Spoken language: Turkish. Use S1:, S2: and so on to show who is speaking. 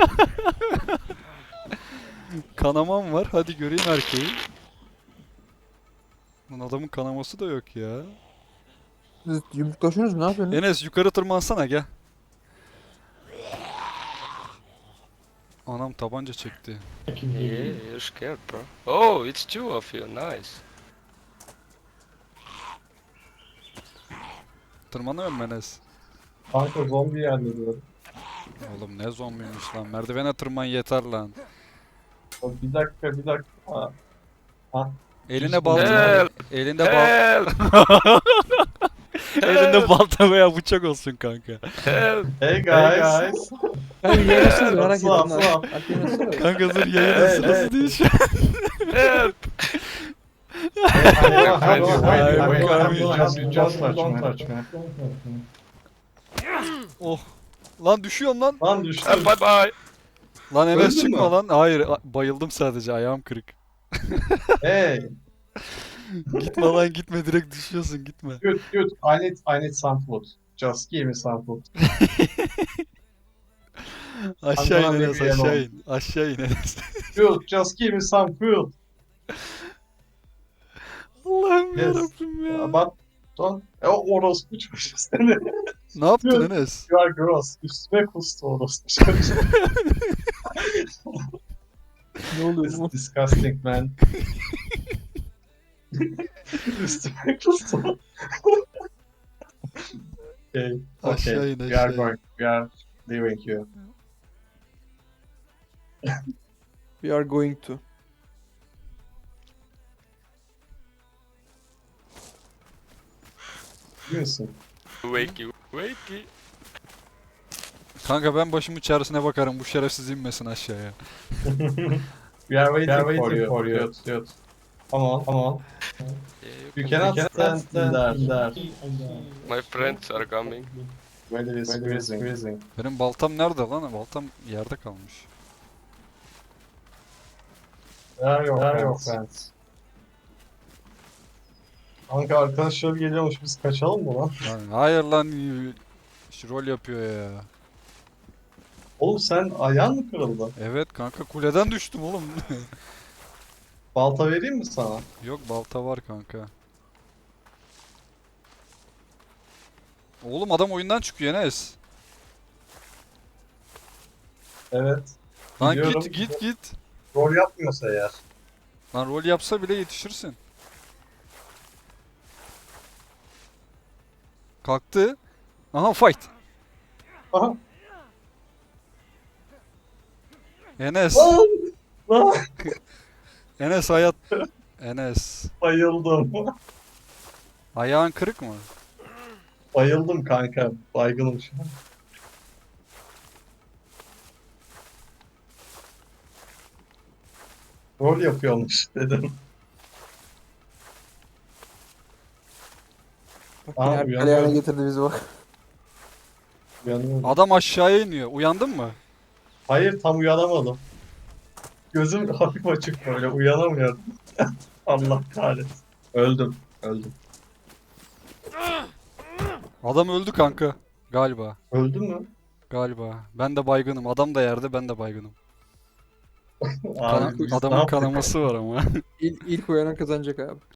S1: Kanamam var. Hadi göreyim erkeği. Lan adamın kanaması da yok ya.
S2: Siz yumruklaşıyorsunuz mu? Ne yapıyorsunuz?
S1: Enes yukarı tırmansana gel. Anam tabanca çekti.
S3: Yeah, you're scared, bro. Oh, it's two of you. Nice.
S1: Tırmanıyor mu Enes?
S4: Kanka zombi yerleniyorum.
S1: Oğlum ne zombiymiş lan. Merdivene tırman yeter lan.
S4: Bir dakika bir dakika. Ha.
S1: Eline balta.
S3: Help!
S1: Elinde bal.
S3: Help!
S1: Elinde balta veya bıçak olsun kanka.
S3: Help!
S4: Hey guys.
S2: Ben yeğenisiniz merak ettim.
S4: Sıla, sıla.
S2: Alp yeğenisiniz mi?
S1: Kanka dur yayının
S4: Evet,
S1: sırası
S4: evet.
S1: değil şu an.
S3: Help!
S4: Don't touch me.
S1: Oh. Lan düşüyorum lan.
S4: Lan düştüm.
S3: Bye bye!
S1: Lan Enes
S4: Öldün
S1: çıkma
S4: mü?
S1: lan. Hayır bayıldım sadece ayağım kırık.
S4: Hey.
S1: Gitme lan gitme direkt düşüyorsun gitme.
S4: Good. I need some food. Just give me some food.
S1: Aşağı in
S4: Aman
S1: Enes
S4: Allah'ım.
S1: aşağı in. Aşağı in Enes.
S4: Good. Just give me some food.
S1: Allah'ım
S4: Yes.
S1: yarabbim ya.
S4: But don't. Orospu çocuğu seni.
S1: Ne yaptın Enes?
S4: You are gross. Üstüme kustu orospu çocuğu.
S2: Ne oluyor
S4: It's
S2: bu?
S4: disgusting man. Üstüme kustu. Okay.
S1: Aşağı
S4: Okay.
S1: in,
S4: We are
S1: aşağı in.
S4: going. We are leaving you.
S2: We are going to.
S4: Biliyor musun?
S3: Wakey, wakey.
S1: Kanka ben başımın çaresine bakarım. Bu şerefsiz inmesin aşağıya.
S4: We are waiting for you. Good. Come on.
S3: Yeah,
S4: You cannot stand in there.
S3: My friends are coming.
S4: Weather is freezing.
S1: Benim baltam nerede lan? Baltam yerde kalmış.
S4: Where are your friends? Kanka arkadaşlar geliyormuş, biz kaçalım mı lan?
S1: Lan, hayır lan. Şu rol yapıyor ya.
S4: Oğlum sen ayağın mı kırıldı?
S1: Evet kanka kuleden düştüm oğlum.
S4: Balta vereyim mi sana?
S1: Yok balta var kanka. Oğlum adam oyundan çıkıyor Enes.
S4: Evet.
S1: Lan
S4: Biliyorum.
S1: git.
S4: Rol yapmıyorsa eğer.
S1: Lan rol yapsa bile yetişirsin. Kalktı. Aha fight.
S4: Aha.
S1: Enes.
S4: Lan! Lan!
S1: Enes hayat. Enes.
S4: Bayıldım.
S1: Ayağın kırık mı?
S4: Bayıldım kanka. Baygınım şu an. Rol yapıyormuş dedim.
S2: Bak
S4: Aa,
S2: yine Alp
S4: uyanıyorum.
S2: ayağına getirdi bizi bak.
S4: Uyanıyorum.
S1: Adam aşağıya iniyor. Uyandın mı?
S4: Hayır tam uyanamadım. Gözüm hafif açık böyle uyanamıyorum. Allah kahretsin. Öldüm.
S1: Adam öldü kanka. Galiba.
S4: Öldün mü?
S1: Galiba. Ben de baygınım. Adam da yerde ben de baygınım.
S4: Abi, biz ne
S1: Adamın
S4: yaptık?
S1: kanaması var ama.
S2: İlk uyanan kazanacak abi.